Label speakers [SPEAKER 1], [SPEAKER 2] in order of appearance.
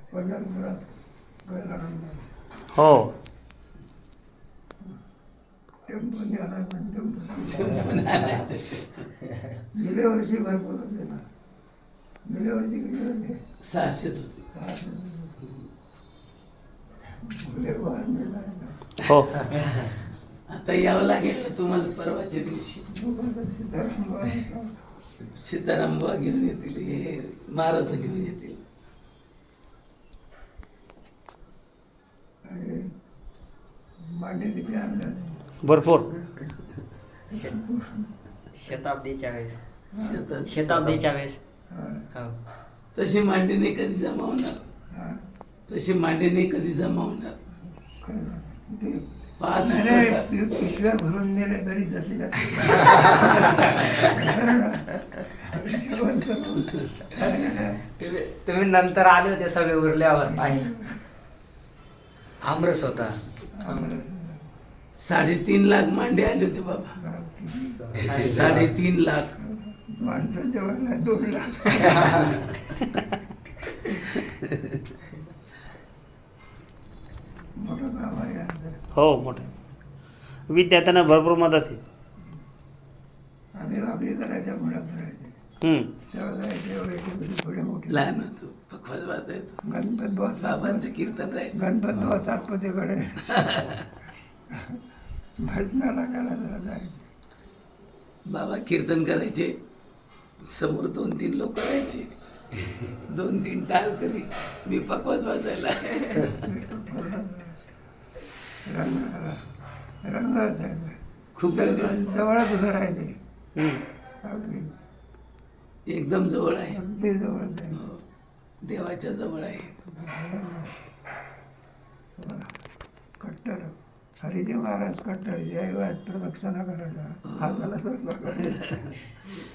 [SPEAKER 1] पंढरपुरात गजानन
[SPEAKER 2] हो.
[SPEAKER 1] टेम्पो न्यायला पण टेम्पो गेल्या वर्षी भरपूर होते ना. गेल्या वर्षी किती होते?
[SPEAKER 3] 600च होते.
[SPEAKER 1] 600. फुले वाहन मिळालं.
[SPEAKER 2] हो.
[SPEAKER 3] आता यावं लागेल ना तुम्हाला परवाच्या दिवशी.
[SPEAKER 1] सीताराम
[SPEAKER 3] सीताराम बुवा घेऊन येतील, हे महाराज घेऊन येतील.
[SPEAKER 1] आणि मांडे किती आणलं?
[SPEAKER 2] भरपूर.
[SPEAKER 4] शताब्दीच्या वेळेस.
[SPEAKER 3] शेतात
[SPEAKER 4] शताब्दीच्या वेळेस.
[SPEAKER 1] हा.
[SPEAKER 4] हो.
[SPEAKER 3] तशी मांडी नाही कधी जमा होणार.
[SPEAKER 1] हा.
[SPEAKER 3] तशी मांडी नाही कधी जमा होणार.
[SPEAKER 1] खरं झालं. किती
[SPEAKER 3] 5
[SPEAKER 1] नाही, पिशव्या भरून नेले तरी जसे
[SPEAKER 4] तुम्ही नंतर आले होते सगळे उरल्यावर पाहिजे. आमरस होता.
[SPEAKER 3] 3.5 लाख मांडे आले होते बाबा. 3.5 लाख.
[SPEAKER 1] माणसाच्या वेळेला 2 लाख. मोठं काम आहे यांचं.
[SPEAKER 2] हो मोठे. विद्यार्थ्यांना भरपूर मदत आहे.
[SPEAKER 1] आम्ही आपली करायच्या मुळात करायचे त्यावेळेला एवढे थोडे मोठे
[SPEAKER 3] लहान होतो, पखवाज वाजायचो.
[SPEAKER 1] गणपत बॉस
[SPEAKER 3] बाबांचं कीर्तन राहायचं.
[SPEAKER 1] गणपत बॉस सातपतीकडे भजनाला करायला जायचे.
[SPEAKER 3] बाबा कीर्तन करायचे, समोर 2-3 लोक राहायचे, 2-3 टाळ करी, मी पखवाज वाजायला.
[SPEAKER 1] रंग असायचा.
[SPEAKER 3] खूप वेगळं,
[SPEAKER 1] जवळच घर आहे ते.
[SPEAKER 2] हम्म.
[SPEAKER 1] अगदी
[SPEAKER 3] एकदम जवळ आहे.
[SPEAKER 1] अगदी जवळच आहे.
[SPEAKER 3] हो, देवाच्या जवळ आहे.
[SPEAKER 1] कट्टर हरिजी महाराज कट्टर जयवाद प्रदक्षिणा करायचा हाताला स्वयंपाक करायचा.